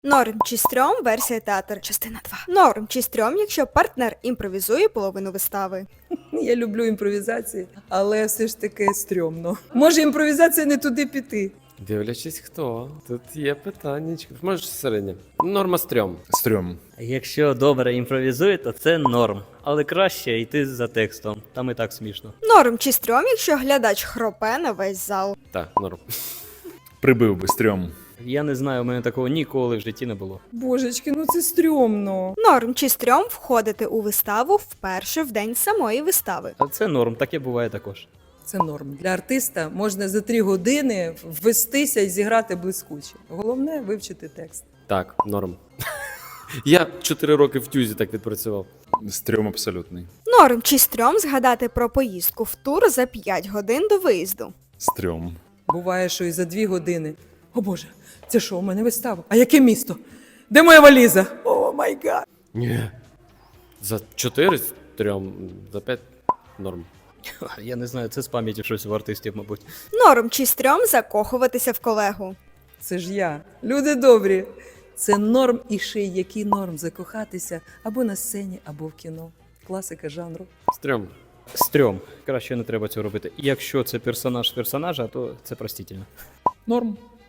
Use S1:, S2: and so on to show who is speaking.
S1: Норм чи стрьом, версія театр, частина 2. Норм чи стрьом, якщо партнер імпровізує половину вистави.
S2: Я люблю імпровізації, але все ж таки стрьомно. Може імпровізація не туди піти?
S3: Дивлячись хто. Тут є питаннячко. Можеш середнє. Норма стрьом.
S4: Стрьом.
S5: Якщо добре імпровізує, то це норм. Але краще йти за текстом, там і так смішно.
S1: Норм чи стрьом, якщо глядач хропе на весь зал.
S3: Так, норм.
S4: Прибив би стрьом.
S5: Я не знаю, у мене такого ніколи в житті не було.
S2: Божечки, ну це стрьомно.
S1: Норм чи стрьом входити у виставу вперше в день самої вистави.
S5: А це норм, таке буває також.
S2: Це норм. Для артиста можна за 3 години ввестися і зіграти блискуче. Головне вивчити текст.
S3: Так, норм. Я 4 роки в тюзі так відпрацював.
S4: Стрьом абсолютний.
S1: Норм чи стрьом згадати про поїздку в тур за 5 годин до виїзду.
S4: Стрьом.
S2: Буває, що і за 2 години. О Боже, це що, у мене вистава? А яке місто? Де моя валіза? О май гад!
S3: Ні. За 4 стрьом, за 5 норм.
S5: Я не знаю, це з пам'яті щось у артистів, мабуть.
S1: Норм чи стрьом закохуватися в колегу.
S2: Це ж я. Люди добрі. Це норм і ще й який норм закохатися або на сцені, або в кіно. Класика жанру.
S3: Стрьом.
S5: Стрьом. Краще не треба цього робити. Якщо це персонаж персонажа, то це простительно.
S2: Норм.